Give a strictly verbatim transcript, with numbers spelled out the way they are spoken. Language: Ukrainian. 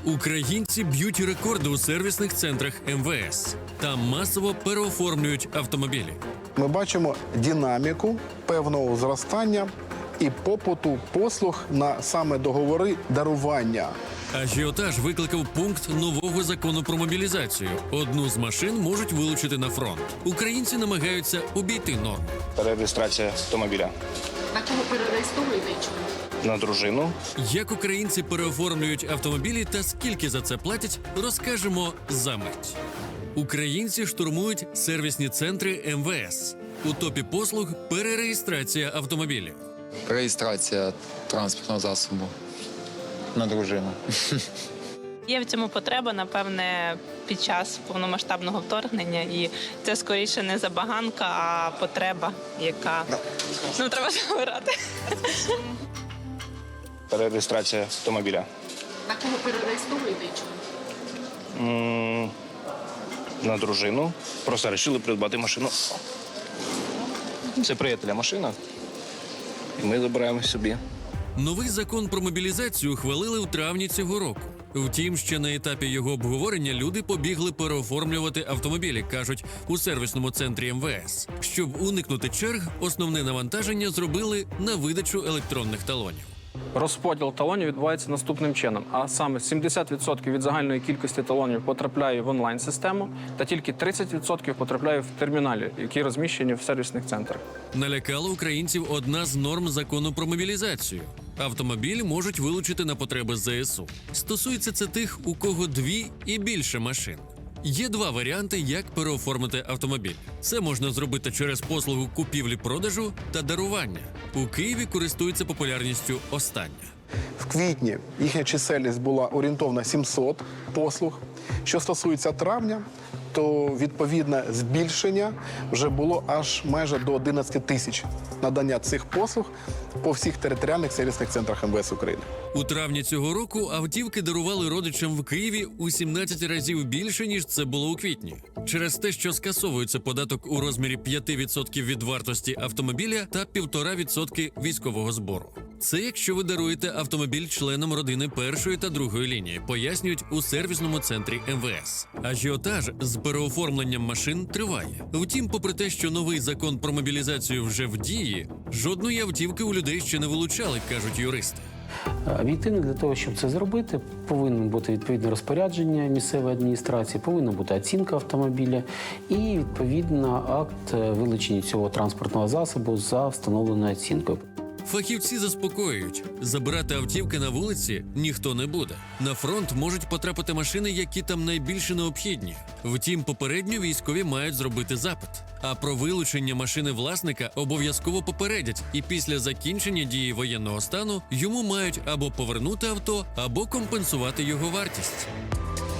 Українці б'ють рекорди у сервісних центрах ем ве ес. Там масово переоформлюють автомобілі. Ми бачимо динаміку певного зростання і попиту послуг на саме договори дарування. Ажіотаж викликав пункт нового закону про мобілізацію. Одну з машин можуть вилучити на фронт. Українці намагаються обійти норму. Перереєстрація автомобіля. На кого перереєстровуєте і чому? На дружину. Як українці переоформлюють автомобілі та скільки за це платять, розкажемо за мить. Українці штурмують сервісні центри ем ве ес. У топі послуг перереєстрація автомобілів. Реєстрація транспортного засобу на дружину. Є в цьому потреба, напевне, під час повномасштабного вторгнення. І це скоріше не забаганка, а потреба, яка ну, треба забирати. Перереєстрація автомобіля. На кого перереєстровуєте і чому? М, На дружину. Просто вирішили придбати машину. Це приятеля машина. І ми забираємо собі. Новий закон про мобілізацію ухвалили у травні цього року. Втім, ще на етапі його обговорення люди побігли переоформлювати автомобілі, кажуть у сервісному центрі ем ве ес. Щоб уникнути черг, основне навантаження зробили на видачу електронних талонів. Розподіл талонів відбувається наступним чином. А саме сімдесят відсотків від загальної кількості талонів потрапляє в онлайн-систему, та тільки тридцять відсотків потрапляє в терміналі, які розміщені в сервісних центрах. Налякала українців одна з норм закону про мобілізацію. Автомобіль можуть вилучити на потреби зе ес у. Стосується це тих, у кого дві і більше машин. Є два варіанти, як переоформити автомобіль. Це можна зробити через послугу купівлі-продажу та дарування. У Києві користується популярністю остання. В квітні їхня чисельність була орієнтовно сімсот послуг. Що стосується травня, то відповідне збільшення вже було аж майже до одинадцяти тисяч надання цих послуг по всіх територіальних сервісних центрах ем ве ес України. У травні цього року автівки дарували родичам в Києві у сімнадцять разів більше, ніж це було у квітні. Через те, що скасовується податок у розмірі п'ять відсотків від вартості автомобіля та півтора відсотки військового збору. Це якщо ви даруєте автомобіль членам родини першої та другої лінії, пояснюють у сервісному центрі ем ве ес. Ажіотаж з переоформленням машин триває. Втім, попри те, що новий закон про мобілізацію вже в дії, жодної автівки у людей ще не вилучали, кажуть юристи. Об'єктивно, для того, щоб це зробити, повинно бути відповідне розпорядження місцевої адміністрації, повинна бути оцінка автомобіля і, відповідно, акт вилучення цього транспортного засобу за встановленою оцінкою. Фахівці заспокоюють, забирати автівки на вулиці ніхто не буде. На фронт можуть потрапити машини, які там найбільше необхідні. Втім, попередньо військові мають зробити запит. А про вилучення машини власника обов'язково попередять, і після закінчення дії воєнного стану йому мають або повернути авто, або компенсувати його вартість.